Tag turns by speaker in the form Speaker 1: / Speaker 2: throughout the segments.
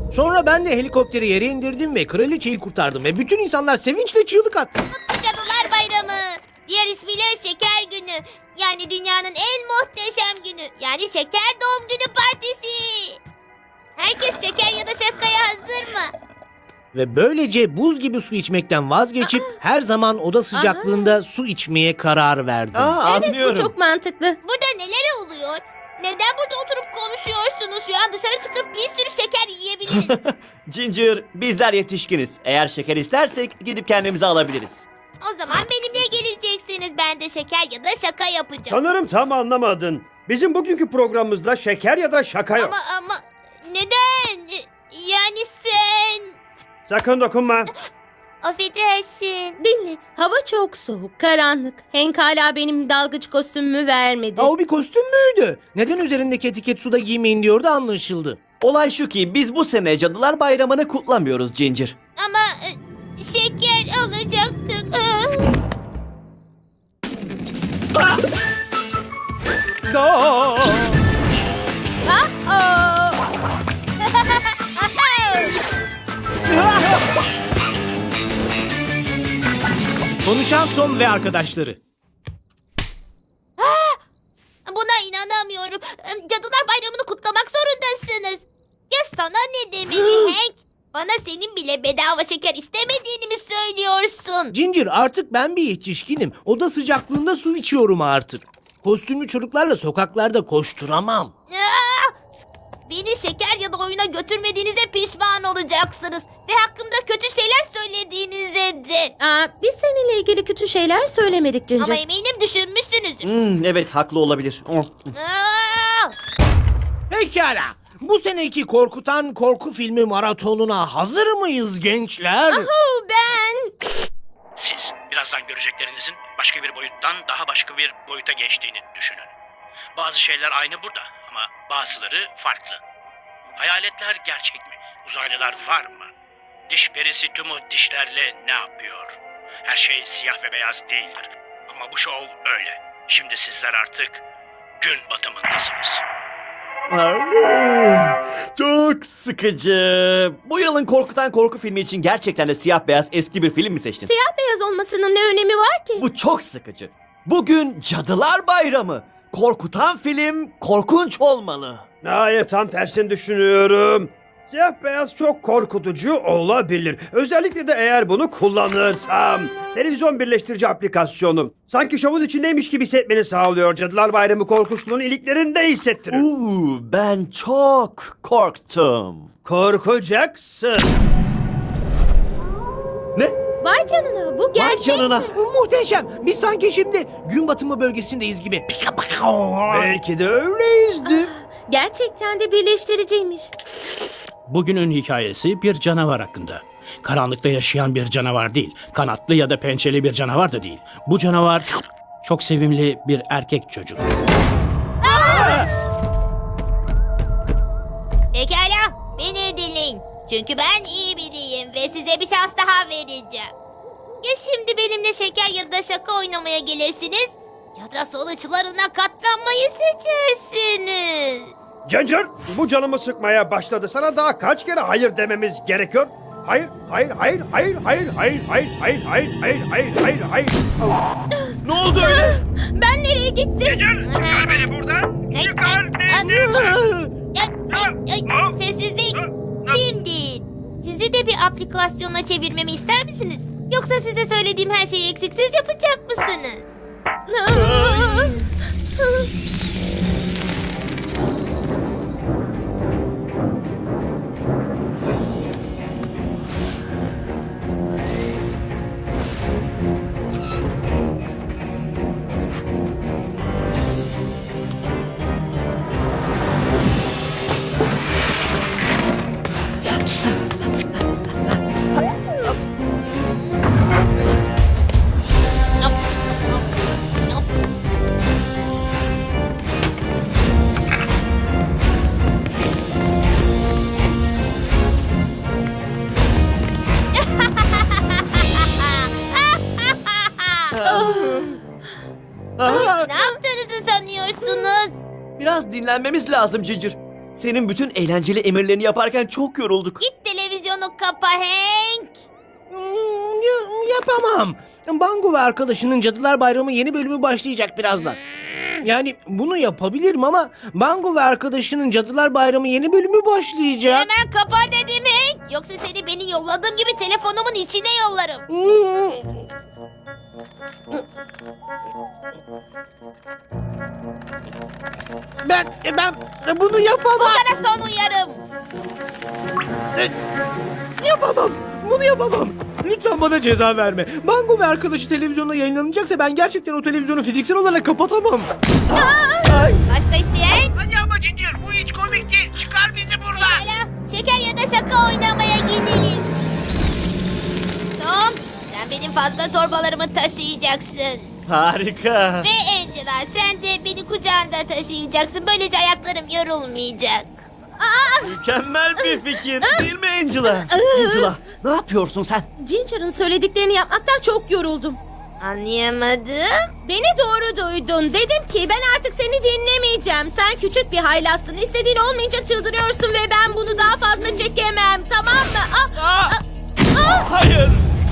Speaker 1: Sonra ben de helikopteri yere indirdim ve kraliçeyi kurtardım ve bütün insanlar sevinçle çığlık attı.
Speaker 2: Mutlu Cadılar Bayramı. Diğer ismiyle Şeker Günü. Yani dünyanın en muhteşem günü. Yani Şeker Doğum Günü Partisi. Herkes şeker ya da şakaya hazır mı?
Speaker 1: Ve böylece buz gibi su içmekten vazgeçip her zaman oda sıcaklığında su içmeye karar verdim.
Speaker 3: Anlıyorum.
Speaker 4: Bu çok mantıklı.
Speaker 2: Burada neler oluyor? Neden burada oturup konuşuyorsunuz? Şu an dışarı çıkıp bir sürü şeker yiyebiliriz.
Speaker 3: Ginger, bizler yetişkiniz. Eğer şeker istersek gidip kendimize alabiliriz.
Speaker 2: O zaman benimle geleceksiniz. Ben de şeker ya da şaka yapacağım.
Speaker 5: Sanırım tam anlamadın. Bizim bugünkü programımızda şeker ya da şaka yok.
Speaker 2: Ama neden? Yani sen...
Speaker 5: Sakın dokunma.
Speaker 2: Affedersin.
Speaker 4: Dinle. Hava çok soğuk, karanlık. Hank hala benim dalgıç kostümümü vermedi.
Speaker 1: Ha, o bir kostüm müydü? Neden üzerindeki etiket suda giymeyin diyordu anlaşıldı.
Speaker 3: Olay şu ki biz bu sene Cadılar Bayramı'nı kutlamıyoruz Ginger.
Speaker 2: Ama şeker alacaktık.
Speaker 4: Aa!
Speaker 1: Konuşan Tom ve arkadaşları.
Speaker 2: Buna inanamıyorum. Cadılar Bayramı'nı kutlamak zorundasınız. Ya sana ne demeli Hank? Bana senin bile bedava şeker istemediğini mi söylüyorsun?
Speaker 1: Ginger, artık ben bir yetişkinim. Oda sıcaklığında su içiyorum artık. Kostümlü çocuklarla sokaklarda koşturamam.
Speaker 2: Aa! Beni şeker ya da oyuna götürmediğinize pişman olacaksınız. Ve hakkımda kötü şeyler söylediğinize de.
Speaker 4: Biz seninle ilgili kötü şeyler söylemedik Ginger.
Speaker 2: Ama eminim düşünmüşsünüzdür.
Speaker 3: Evet, haklı olabilir.
Speaker 2: Aa!
Speaker 1: Pekala. Bu seneki korkutan korku filmi maratonuna hazır mıyız gençler?
Speaker 4: Ben...
Speaker 6: Siz birazdan göreceklerinizin başka bir boyuttan daha başka bir boyuta geçtiğini düşünün. Bazı şeyler aynı burada ama bazıları farklı. Hayaletler gerçek mi? Uzaylılar var mı? Diş perisi tüm o dişlerle ne yapıyor? Her şey siyah ve beyaz değildir. Ama bu şov öyle. Şimdi sizler artık gün batımındasınız.
Speaker 3: Çok sıkıcı. Bu yılın korkutan korku filmi için gerçekten de siyah beyaz eski bir film mi seçtin?
Speaker 4: Siyah beyaz olmasının ne önemi var ki?
Speaker 3: Bu çok sıkıcı. Bugün Cadılar Bayramı. Korkutan film korkunç olmalı.
Speaker 5: Hayır, tam tersini düşünüyorum. Siyah beyaz çok korkutucu olabilir. Özellikle de eğer bunu kullanırsam. Televizyon birleştirici aplikasyonu. Sanki şovun içindeymiş gibi hissetmeni sağlıyor. Cadılar Bayramı korkunçluğunu iliklerinde hissettirir.
Speaker 3: Ben çok korktum.
Speaker 5: Korkacaksın.
Speaker 3: Ne?
Speaker 4: Vay canına, bu
Speaker 3: Vay
Speaker 4: gerçek.
Speaker 3: canına.
Speaker 1: Muhteşem. Biz sanki şimdi gün batımı bölgesindeyiz gibi.
Speaker 5: Belki de öyleyizdir.
Speaker 4: Gerçekten de birleştiriciymiş.
Speaker 6: Bugünün hikayesi bir canavar hakkında. Karanlıkta yaşayan bir canavar değil. Kanatlı ya da pençeli bir canavar da değil. Bu canavar çok sevimli bir erkek çocuk.
Speaker 2: Pekala, beni dinleyin. Çünkü ben iyi biriyim ve size bir şans daha vereceğim. Ya şimdi benimle şeker ya da şaka oynamaya gelirsiniz ya da sonuçlarına katlanmayı seçersiniz.
Speaker 5: Ginger, bu canımı sıkmaya başladı. Sana daha kaç kere hayır dememiz gerekiyor? Hayır, hayır, hayır, hayır, hayır, hayır, hayır, hayır, hayır, hayır, hayır, hayır, hayır.
Speaker 3: Ne oldu öyle?
Speaker 4: Ben nereye gittim?
Speaker 5: Çıkar beni buradan. Çıkar beni.
Speaker 2: Sessizlik. Şimdi sizi de bir aplikasyona çevirmemi ister misiniz? Yoksa size söylediğim her şeyi eksiksiz yapacak mısınız? Ne yaptığınızı sanıyorsunuz?
Speaker 3: Biraz dinlenmemiz lazım Ginger. Senin bütün eğlenceli emirlerini yaparken çok yorulduk.
Speaker 2: Git televizyonu kapa Hank.
Speaker 1: Yapamam. Bango ve arkadaşının Cadılar Bayramı yeni bölümü başlayacak birazdan. Yani bunu yapabilirim ama Bango ve arkadaşının Cadılar Bayramı yeni bölümü başlayacak.
Speaker 2: Hemen kapa dedim Hank. Yoksa seni beni yolladığım gibi telefonumun içine yollarım.
Speaker 1: Ben bunu yapamam.
Speaker 2: Sana son uyarım.
Speaker 1: Yapamam. Bunu yapamam. Lütfen bana ceza verme. Bango ve arkadaşı televizyonda yayınlanacaksa ben gerçekten o televizyonu fiziksel olarak kapatamam.
Speaker 2: Başka isteyen?
Speaker 6: Hadi ama Ginger bu hiç komik değil. Çıkar bizi buradan.
Speaker 2: Hala şeker ya da şaka oynamaya gidelim. Tom, sen benim fazla torbalarımı taşıyacaksın.
Speaker 3: Harika.
Speaker 2: Ve Angela, sen de beni kucağında taşıyacaksın. Böylece ayaklarım yorulmayacak.
Speaker 3: Mükemmel bir fikir değil mi Angela? Angela ne yapıyorsun sen?
Speaker 4: Ginger'ın söylediklerini yapmaktan çok yoruldum.
Speaker 2: Anlayamadım.
Speaker 4: Beni doğru duydun. Dedim ki ben artık seni dinlemeyeceğim. Sen küçük bir haylazsın. İstediğin olmayınca çıldırıyorsun ve ben bunu daha fazla çekemem. Tamam mı?
Speaker 3: Hayır.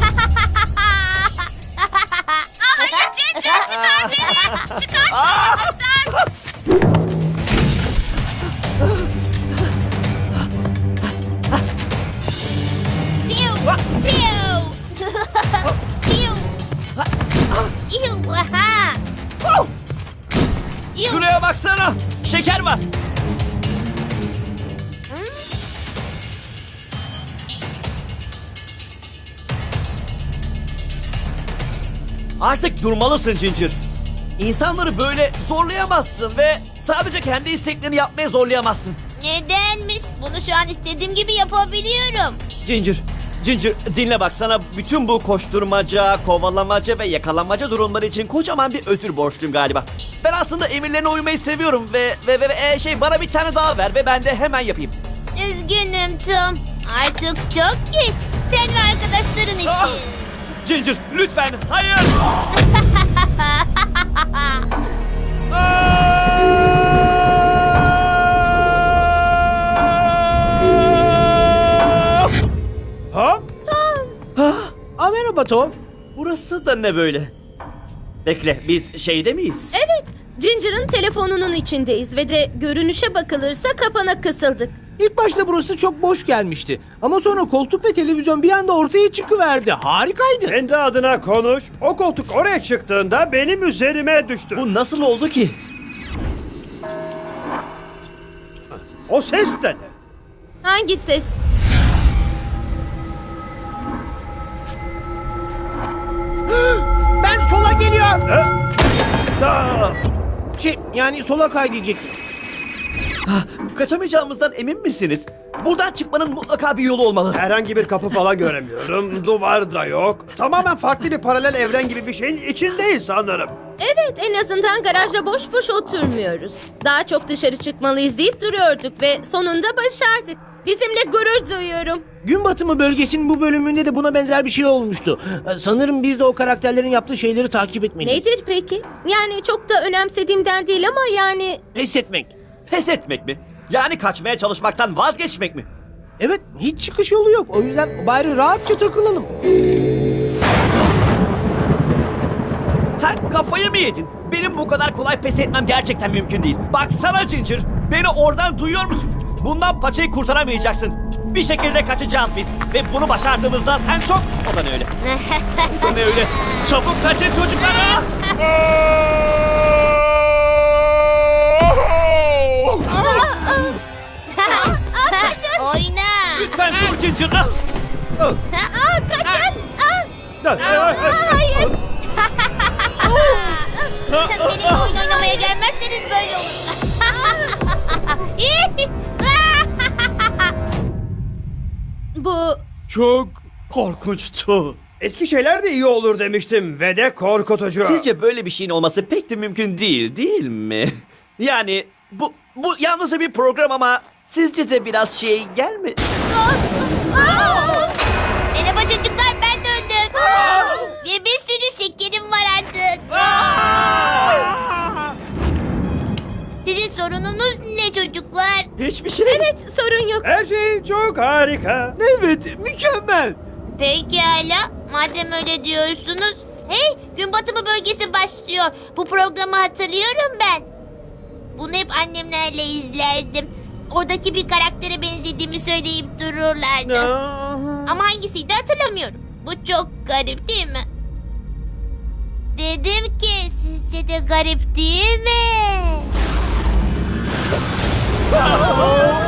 Speaker 4: Hayır Ginger, çıkar beni. Çıkar beni.
Speaker 2: Piu, piu. Piu. Iu, aha. Iu.
Speaker 3: Şuraya baksana. Şeker var. Artık durmalısın Ginger. İnsanları böyle zorlayamazsın ve sadece kendi isteklerini yapmaya zorlayamazsın.
Speaker 2: Nedenmiş? Bunu şu an istediğim gibi yapabiliyorum.
Speaker 3: Ginger dinle bak, sana bütün bu koşturmaca, kovalamaca ve yakalanmaca durumları için kocaman bir özür borçluyum galiba. Ben aslında emirlerine uymayı seviyorum ve bana bir tane daha ver ve ben de hemen yapayım.
Speaker 2: Üzgünüm Tom. Artık çok geç. Sen ve arkadaşların için.
Speaker 3: Ginger lütfen hayır.
Speaker 5: Ha?
Speaker 1: Merhaba Tom.
Speaker 3: Burası da ne böyle? Bekle, biz şeyde miyiz?
Speaker 4: Evet, Ginger'ın telefonunun içindeyiz ve de görünüşe bakılırsa kapana kısıldık.
Speaker 1: İlk başta burası çok boş gelmişti. Ama sonra koltuk ve televizyon bir anda ortaya çıkıverdi. Harikaydı.
Speaker 5: Kendi adına konuş. O koltuk oraya çıktığında benim üzerime düştü.
Speaker 3: Bu nasıl oldu ki?
Speaker 5: O ses de ne?
Speaker 4: Hangi ses?
Speaker 1: Ben sola geliyorum.
Speaker 5: Aa!
Speaker 1: Yani sola kay diyecektim.
Speaker 3: Kaçamayacağımızdan emin misiniz? Buradan çıkmanın mutlaka bir yolu olmalı.
Speaker 5: Herhangi bir kapı falan göremiyorum. Duvar da yok. Tamamen farklı bir paralel evren gibi bir şeyin içindeyiz sanırım.
Speaker 4: Evet, en azından garajda boş boş oturmuyoruz. Daha çok dışarı çıkmalıyız deyip duruyorduk ve sonunda başardık. Bizimle gurur duyuyorum.
Speaker 1: Gün batımı bölgesinin bu bölümünde de buna benzer bir şey olmuştu. Sanırım biz de o karakterlerin yaptığı şeyleri takip etmeliyiz.
Speaker 4: Nedir peki? Yani çok da önemsediğimden değil ama yani...
Speaker 1: Pes etmek.
Speaker 3: Pes etmek mi? Yani kaçmaya çalışmaktan vazgeçmek mi?
Speaker 1: Evet, hiç çıkış yolu yok. O yüzden bari rahatça takılalım.
Speaker 3: Sen kafayı mı yedin? Benim bu kadar kolay pes etmem gerçekten mümkün değil. Baksana Ginger, beni oradan duyuyor musun? Bundan paçayı kurtaramayacaksın. Bir şekilde kaçacağız biz. Ve bunu başardığımızda sen çok... O da ne öyle? O da ne öyle? Çabuk kaçın çocuklar!
Speaker 2: Oyna.
Speaker 3: Lütfen dur Ginger!
Speaker 4: Kaçın!
Speaker 2: Hayır. Benimle oyun oynamaya gelmezseniz böyle olur.
Speaker 4: Bu...
Speaker 3: Çok korkunçtu.
Speaker 5: Eski şeyler de iyi olur demiştim ve de korkutucu.
Speaker 3: Sizce böyle bir şeyin olması pek de mümkün değil mi? Yani bu yalnızca bir program ama sizce de biraz şey gelmedi?
Speaker 2: Merhaba çocuklar, ben döndüm. Ve bir sürü şekerim var artık. Sizin sorununuz ne ne çocuklar?
Speaker 3: Hiçbir şey.
Speaker 4: Evet, sorun yok.
Speaker 5: Her şey çok harika.
Speaker 3: Evet, mükemmel.
Speaker 2: Pekala. Madem öyle diyorsunuz. Hey, gün batımı bölgesi başlıyor. Bu programı hatırlıyorum ben. Bunu hep annemlerle izlerdim. Oradaki bir karaktere benzediğimi söyleyip dururlardı. Ama hangisiydi hatırlamıyorum. Bu çok garip değil mi? Dedim ki sizce de garip değil mi?